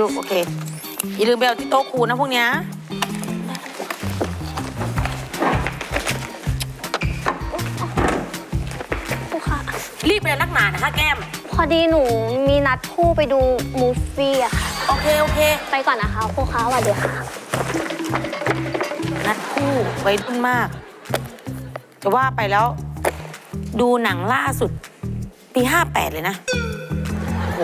ลูกโอเคอย่าลืมไปเอาที่โต๊ะครูนะพวกเนี้ยครูคะรีบไปนักหนานะคะแก้มพอดีหนูมีนัดคู่ไปดูมูฟวี่อะค่ะโอเคโอเคไปก่อนนะคะครูคะสวัสดีค่ะนัดคู่ไว้รุ่นมากจะว่าไปแล้วดูหนังล่าสุดปี58เลยนะโอ้โห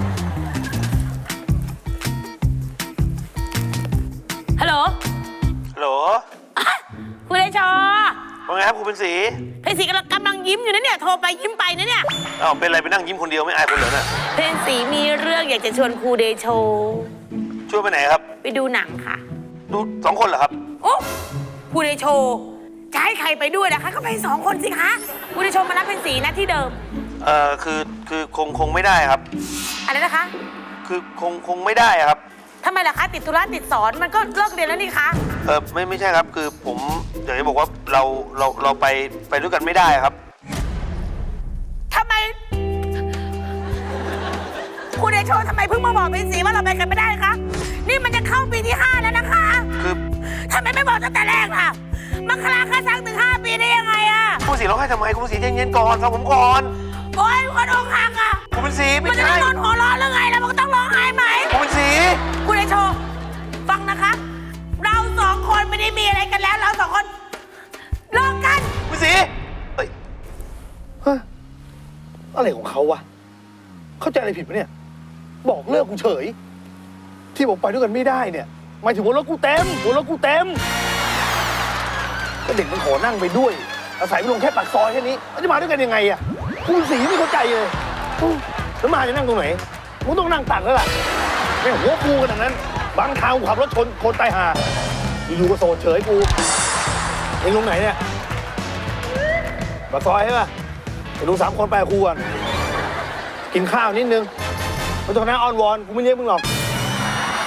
ฮัลโหลฮัลโหลคุณไอชอว่าไงครับครูเป็นสีเพนสีกำลังยิ้มอยู่นะเนี่ยโทรไปยิ้มไปนะเนี่ยอ้าวเป็นไรไปนั่งยิ้มคนเดียวไม่อายคนเหรอเนี่ยเพนสีมีเรื่องอยากจะชวนครูเดโชชวนไปไหนครับไปดูหนังค่ะดู2 คนเหรอครับโอ้ครูเดโชจะให้ใครไปด้วยนะคะก็ไป2 คนสิคะครูเดโชมารับเพนสีนะที่เดิมคือคงไม่ได้ครับอะไรนะคะคือคงไม่ได้ครับทำไมล่ะคะติดธุระติดสอนมันก็เลิกเรียนแล้วนี่คะไม่ใช่ครับคือผมอยากจะบอกว่าเราไปด้วยกันไม่ได้ครับทำไมครูเดโชทำไมเพิ่งมาบอกเพนสีว่าเราไปกันไม่ได้คะนี่มันจะเข้าปีที่5แล้วนะคะคือทำไมไม่บอกตั้งแต่แรกล่ะมันคลาค่าซังถึง5 ปีได้ยังไงอะครูเป็นสีร้องไห้ทำไมครูเป็นสีใจเย็นๆก่อนฟังผมก่อนโอ๊ยคนอกหักอะครูเป็นสีไม่มันจะใช่ต้องนอนหัวร้อนหรือไงแล้วมันก็ต้องร้องไห้ไหมครูเป็นสีคุณไอโชว์ฟังนะคะ เรา2 คนไม่ได้มีอะไรกันแล้วเรา2 คนเลิกกันครูเป็นสีเฮ้ยอะไรของเขาวะ เข้าใจอะไรผิดปะเนี่ย บอกเลิกกูเฉย ที่บอกไปด้วยกันไม่ได้เนี่ยหมายถึงว่ารถกูเต็มก็เด็กมันขอนั่งไปด้วย อาศัยไปลงแค่ปากซอยแค่นี้แล้วจะมาด้วยกันยังไงอะกูสีไม่เข้าใจเลยแล้วมาจะนั่งตรงไหนกูต้องนั่งตักแล้วล่ะไม่หัวกูขนาดนั้น บางทางกูขับรถชนคนตายห่าอยู่ๆก็โซนเฉยกูเองลงไหนเนี่ยปากซอยใช่ปะไปดู3 คนไปกับครูก่อนกินข้าวนิดนึงไม่ต้องนั่งอ้อนวอนกูไม่เรียกมึงหรอก